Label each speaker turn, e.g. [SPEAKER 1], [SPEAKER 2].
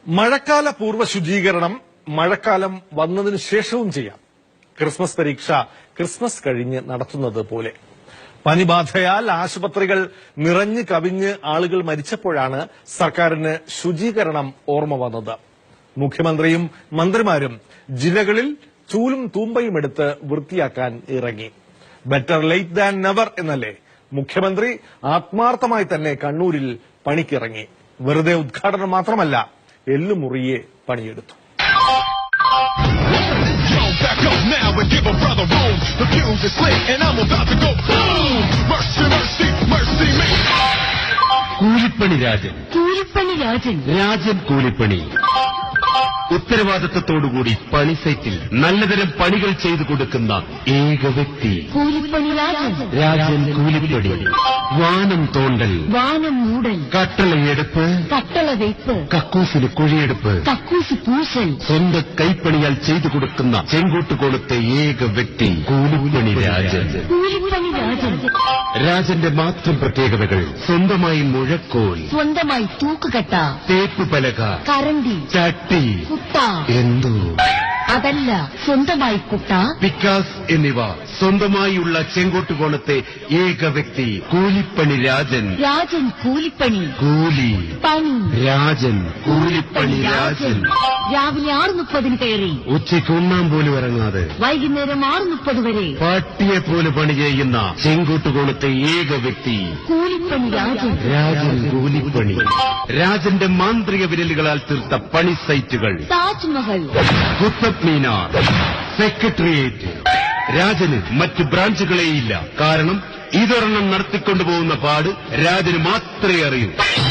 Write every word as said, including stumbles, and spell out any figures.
[SPEAKER 1] മഴക്കാല പൂർവ്വ ശുചീകരണം മഴക്കാലം വന്നതിനു ശേഷവും ചെയ്യാം. ക്രിസ്മസ് പരീക്ഷ ക്രിസ്മസ് കഴിഞ്ഞ് നടത്തുന്നത് പോലെ. പനിബാധയാൽ ആശുപത്രികൾ നിറഞ്ഞു കവിഞ്ഞ് ആളുകൾ മരിച്ചപ്പോഴാണ് സർക്കാരിന് ശുചീകരണം ഓർമ്മ വന്നത്. മുഖ്യമന്ത്രിയും മന്ത്രിമാരും ജില്ലകളിൽ ചൂലും തൂമ്പയും എടുത്ത് വൃത്തിയാക്കാൻ ഇറങ്ങി. ബെറ്റർ ലേറ്റ് ദാൻ നെവർ എന്നല്ലേ? മുഖ്യമന്ത്രി ആത്മാർത്ഥമായി തന്നെ കണ്ണൂരിൽ പണിക്കിറങ്ങി. വെറുതെ ഉദ്ഘാടനം മാത്രമല്ല, എല്ലുമുറിയെ പണിയെടുത്തു.
[SPEAKER 2] കൂലിപ്പണി രാജൻ കൂലിപ്പണി രാജൻ രാജൻ കൂലിപ്പണി ഉത്തരവാദിത്തത്തോടുകൂടി പണി സൈറ്റിൽ നല്ലതരം പണികൾ ചെയ്തു കൊടുക്കുന്ന ഏക വ്യക്തി
[SPEAKER 3] കൂലിപ്പണി രാജൻ
[SPEAKER 2] രാജൻ കൂലിപ്പണി. വാനം തോണ്ടൽ,
[SPEAKER 3] വാനം മൂടൽ,
[SPEAKER 2] കട്ടളയെടുപ്പ്,
[SPEAKER 3] കട്ടള വെയ്പ്പ്,
[SPEAKER 2] കക്കൂസിന് കുഴിയെടുപ്പ്,
[SPEAKER 3] കക്കൂസ് പൂശൽ,
[SPEAKER 2] സ്വന്തം കൈപ്പണിയാൽ ചെയ്തു കൊടുക്കുന്ന ചെങ്കോട്ടുകോണത്തെ ഏക വ്യക്തി കൂലിപ്പണി രാജൻ.
[SPEAKER 3] കൂലിപ്പണി രാജൻ
[SPEAKER 2] രാജന്റെ മാത്രം പ്രത്യേകതകൾ: സ്വന്തമായി മുഴക്കോൽ,
[SPEAKER 3] സ്വന്തമായി തൂക്കുകട്ട,
[SPEAKER 2] തേപ്പ് പലക,
[SPEAKER 3] കരണ്ടി,
[SPEAKER 2] ചട്ടി,
[SPEAKER 3] കുട്ട,
[SPEAKER 2] എന്തോ
[SPEAKER 3] അതല്ല സ്വന്തമായി കുട്ട,
[SPEAKER 2] പിക്കാസ് എന്നിവ സ്വന്തമായുള്ള ചെങ്കോട്ടുകോണത്തെ ഏക വ്യക്തി കൂലിപ്പണി രാജൻ.
[SPEAKER 3] രാജൻ കൂലിപ്പണി.
[SPEAKER 2] കൂലി
[SPEAKER 3] പണി
[SPEAKER 2] രാജൻ കൂലിപ്പണി രാജൻ.
[SPEAKER 3] രാവിലെ ആറ് മുപ്പതിന് കയറി
[SPEAKER 2] ഉച്ചയ്ക്ക് ഉണ്ണാൻ പോലും ഇറങ്ങാതെ
[SPEAKER 3] വൈകുന്നേരം ആറ് മുപ്പത് വരെ
[SPEAKER 2] പാട്ടിയെ പോലെ പണി ചെയ്യുന്ന ചെങ്കോട്ടുകോണത്തെ ഏക വ്യക്തി
[SPEAKER 3] കൂലിപ്പണി രാജൻ.
[SPEAKER 2] രാജൻ കൂലിപ്പണി. രാജന്റെ മാന്ത്രിക വിരലുകളാൽ തീർത്ത പണി സൈറ്റുകൾ:
[SPEAKER 3] താജ്മഹൽ,
[SPEAKER 2] കുത്തബ് മീനാർ, സെക്രട്ടേറിയറ്റ്. രാജന് മറ്റ് ബ്രാഞ്ചുകളേയില്ല. കാരണം ഇതൊരെണ്ണം നടത്തിക്കൊണ്ടുപോകുന്ന പാട് രാജന് മാത്രമേ അറിയൂ.